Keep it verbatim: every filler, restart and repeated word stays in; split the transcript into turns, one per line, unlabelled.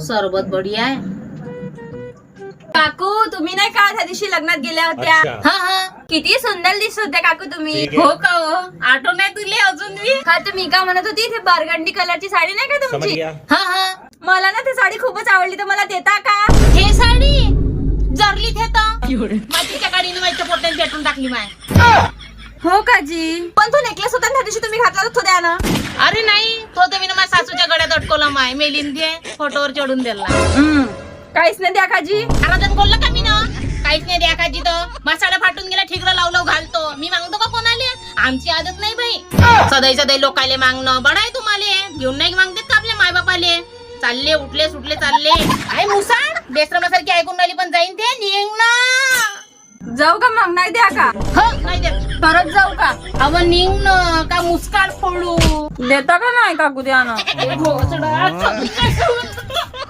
सरबत बढिया आहे.
काकू तुम्ही नाही का त्या दिवशी लग्नात गेल्या होत्या?
हा हा
किती सुंदर दिसत होत्या काकू तुम्ही.
हो का हो, आठवण आहे तुले अजून बी?
हा तर मी का म्हणत होती, ते बरगंडी कलरची साडी नाही का तुमची?
हा हा
मला ना ती साडी खूपच आवडली, तर मला देता का?
हे साडी जरली थे माझ्या गाडीने माझ्या पोट्याने पेटून टाकली माय.
हो का जी? पण तो नेकलेस होता ना त्या दिवशी तुम्ही घातला तो द्या ना.
अरे नाही, तो तर मी ना माझ्या सासूच्या गळ्यात अटकवला माय. मेलीन ते फोटोवर चढून दिला.
काहीच नाही द्या काजी.
आराधन बोललं का मी ना काहीच नाही द्या काजी. तर मसाला फाटून गेला, ठिकरा लावलं घालतो. मी मागतो का कोणाले? आमची आदत नाही बाई. सदै सदै लोकाले मागणं बडा आहे तुम्हाला. घेऊन नाही मागतेत का आपल्या माय बापाले? चालले उठले सुटले चालले. काय मुसाड बेश्रमासारखी ऐकून राहिली, पण जाईन ते निघ ना.
जाऊ का मग? नाही द्या का?
हो नाही देत.
परत जाऊ का?
अव निघ ना, का मुस्काड फोडू.
देता का नाही काकू द्या ना.
घोसडा.